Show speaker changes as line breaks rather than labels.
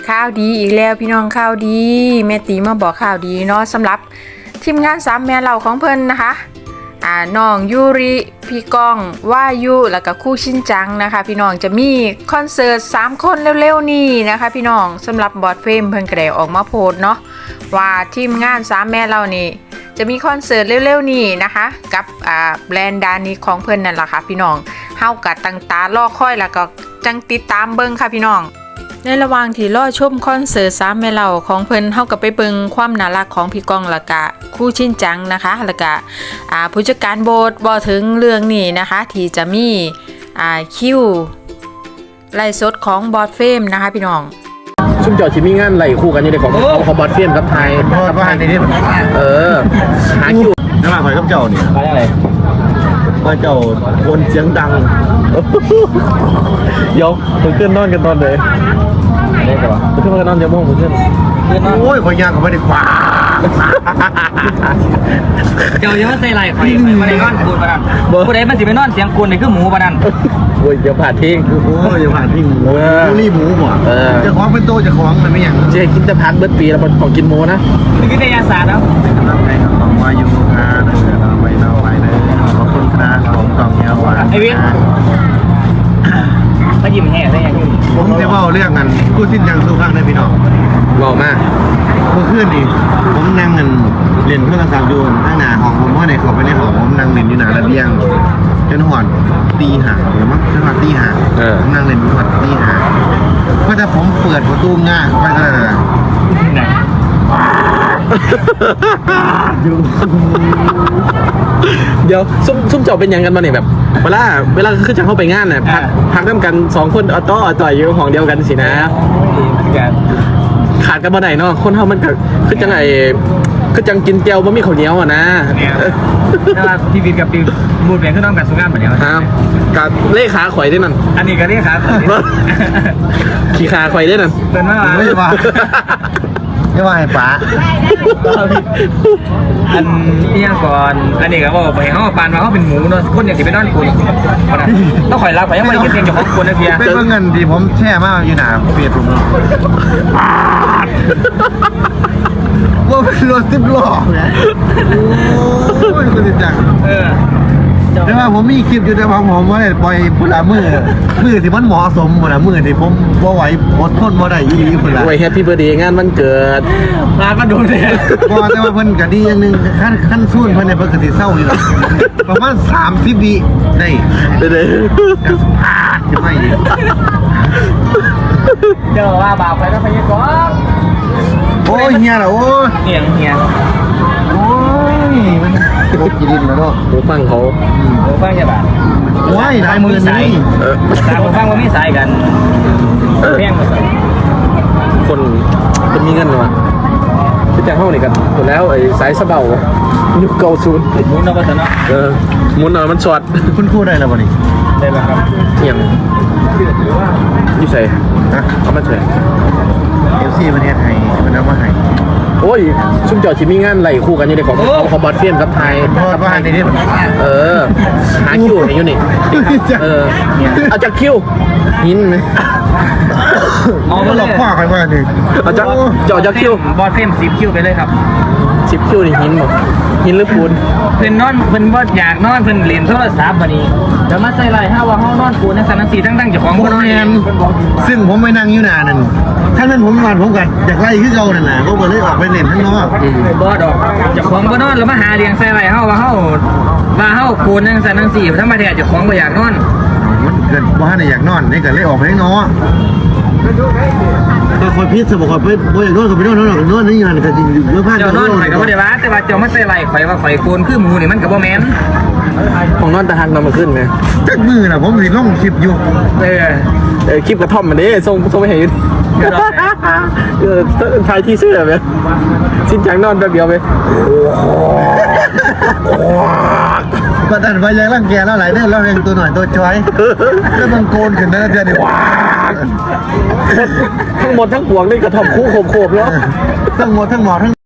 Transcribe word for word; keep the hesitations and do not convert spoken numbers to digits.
ข่าวดีอีกแล้วพี่น้องข่าวดีแม่ตีมาบอกข่าวดีเนาะสำหรับทีมงานสามแม่เหล่าของเพิ่นนะคะอ่าน้องยูริพี่ก้องว่ายุแล้วก็คู่ชินจังนะคะพี่น้องจะมีคอนเสิร์ตสามคนเร็วๆนี้นะคะพี่น้องสำหรับบอดเฟมเพิ่นก็ได้ออกมาโพสต์เนาะว่าทีมงานสามแม่เหล่านี้จะมีคอนเสิร์ตเร็วๆนี้นะคะกับอ่าแบรนด์ดานิของเพิ่นนั่นแหละค่ะพี่น้องเฮากัตั้งตารอคอยแล้วก็จังติดตามเบิ่งค่ะพี่น้องในระหว่างที่รอชมคอนเสิร์ตสามแม่เหล่าของเพิ่นเฮาก็ไปเบิ่งความน่ารักของพี่ก้องแล้วก็คู่ชินจังนะคะแล้วก็อ่าผู้จัดการโบสบ่ถึงเรื่องนี้นะคะที่จะมีอ่าคิวไลฟ์สดของบอดเฟมนะคะพี่น้อง
ชุ่มจอดชิมีงานไหลคู่กันอยู่ในของของบอดเฟมกับไทยกับไทยในนี้เออหาคิว
น้ำมันหอยกับเจ้าเนี่ย
มาอะไร
มาเจ้าคนเสียงดัง
ยกผมขึ้นนอนกันตอนไหนได้ป่ะผมขึ้นมากันนอนจะม่วงผมขึ้น
โอ้ยคอยยางเขาไม่ได้ขวา
เจ้าจะมาใส่ไรข่อยมาในนอนกูนปะนั่นผู้ใดมันสิไปนอนเสียงกูนนี่คือหมูปะนั่น
โอ้ยอย่าผ่านทิ้ง
โอ้ยอย่าผ่านทิ้งหมูนี่หมูหมดจะคล้องเป็นโตจะคล้องมันไม่อย่าง
เจ๊กินแต่พักเบิร์ดปีแล้วของกินหมูนะ
นี่คือในยาศาสตร์แล้ว
ต้องว่าอยู่ครับเราไปเราไปเลยขอบคุณครับของกองเงี้ยวไอ้
วิทมายิ้มแห่ได้ยังอยู่
ผมจะว่าเรื่องกันกู้สิ้นยังสู้ข้างได้พี่น้อง
หล่อมาก
เมื่อคืนนี่ผมนั่งเงินเรียนโทรศัพท์อยู่ข้างหน้าห้องผมเพราะในเขาไปในห้องผมนั่งเรียนอยู่หน้าระเบียงจนหอนตีห่างหรือมั้งจนหอนตีห่างผมนั่งเรียนจนหอนตีห่างก็จะผมเปิดประตูง่าไปก็ได้เลย
เดี๋ยวซุ่มซุ่มจอเป็นยังกันมาเนี่ยแบบเวลาเวลาขึ้นจังเข้าไปงานเนี่ยพักพักร่วมกันสองคนออโต้อต่อยอยู่ของเดียวกันสินะขาดกันบ่ได้เนาะคนเฮามันก็คือจังไอ้คือจังกินเจียวบ่มีข้าวเหนียวอ่ะนะ
ถ้าพี่วิทย์กับพี่บูดเปลี่ยนขึ้นน้องกันสุงานเหมือนกัน
ครับกับเลขาข่อยได้นั่น
อันนี้ก็เลขา
ขี่ขาข่อยได้นั่น
เป็นว่า
ไม่ว่าไม่ว่าไอ้ป๋า
อันนี้ก่อนอันนี้ก็บอกไปเขาปานมาเขาเป็นหมูเนาะคนอย่างที่ไปนอนกูต้องข่อยรักไปยังไม่ได้กินเพียงจากของคนนะเพีย
เป็นเงินที่ผมแช่มากอยู่หนาเปียกผมเนาะว่าเป็นรถสิบล้อไงโอ้ยคุณจัง
เออ
แต่ว่าผมมีคลิปอยู่ในความผมว่าปล่อยพุ่นละมือมือที่มันเหมาะสมพุ่นละมือที่ผมว่าไหวอดทนว่าได้ยี่ดีพุ่นละ
ไว้แฮปปี้เบิร์ดเดย์งานมันเกิด
พาก็โดนเลย
ก็แต่ว่าเพิ่นกะดีอย่างนึงขั้นขั้นสู้เพิ่นในปกติเศร้าอยู่ประมาณสามสิบวิได้
ได้เลย
จะพาจะไม่ดี
เดี๋ยวว่าบาปไปแล้วไปยังก่อน
โอ้ยเฮียเหรอโอ้ย
เฮียเฮีย
โอ้ยมันโคตรกินแล้วเนาะ
หูฟังเขา
หูฟังใช่ป่ะ
ว้ายลายมือนี่
ตาหูฟังว่าไม่สายกันเพียง
คนคนมีเงินหรอที่จะเข้านี่กันหมดแล้วไอ้สายสะเบายุคเก่าศูนย์
มุนเอาไปซะเนาะ
เออมุนเอามันช็อต
คุณพูดได้แล้วบ่นี่
ได้แล้วครับ
เอียงยี่ใส่
ฮะ
เอามาใส่
เอฟซีประเทศไทยมันเอามาให้
โอ้ยซุ่มจอดชิมีงานไหลคู่กันอยู่ในของของบอดเฟมกับไทย
กับไทยในนี้
เออหาคิวอยู่นี่เออเอาจากคิวหินไหม
เอามาหลอกข้อใครมาหนึ่ง
เอาจากจอดจากคิว
บอดเฟมสิบคิวไปเลยครับ
สิบคิวนี่หินหมดหินหรือปูน
เพิ่นนอนเพิ่นบ่อยากนอนเพิ่นเล่นโทรศัพท์บัดนี้เดี๋ยวมาใส่ไรห้าว่าห้องนอนปูนในสันสีทั้งๆเจ้าของบ่นอน
ซึ่งผมไปนั่งอยู่นานนั่นถ้าเป็นผมนอนผมก็อยากไล่ขึ้นเก่านั่นแหละผมก็เลยออกไปเล่นข้างนอก
บ่ดอกเจ้าของบ่นอนแล้วมาหาเลี้ยงใส่ไรเฮาว่าเฮาว่าเฮาปูนในสันสีธรรมดาเจ้าของบ่อยากนอน
มันเกิดบ่ให้อยากนอนนี่ก็เลยออกไปข้างนอกก็คอยพิษสมบัติไปบ่อยากนอนก็ไปนอนนอนนอนนี่งานก็จริงเมื่อผ่าน
เจ้านอนข่อยก็บ่ได้ว่าแต่ว่าเจ้ามาใส่ไรข่อยว่าข่อยโกนคือหมูนี่มันก็บ่แม่น
ของนอนตะหักนอนมาขึ้นไหม
จักมือน่ะผมสิลงคลิปอยู่
เออ
เออคลิปกระท่อมมันดิส่งส่งไปให้เออถ่ายที่เสื้อไหมชิ้นจังนอนแป๊บเดียวไป
ก็ดันไปยังร่างแกแล้วหลายเรื่องแล้วเองตัวหน่อยตัวจ้อยแล้วมันโกนขึ้นนะเดือนนี้
ทั้งหมดทั้งปวงนี่กระท่อมคู่โขบๆแล้ว
ทั้งหมดทั้งหมดทั้ง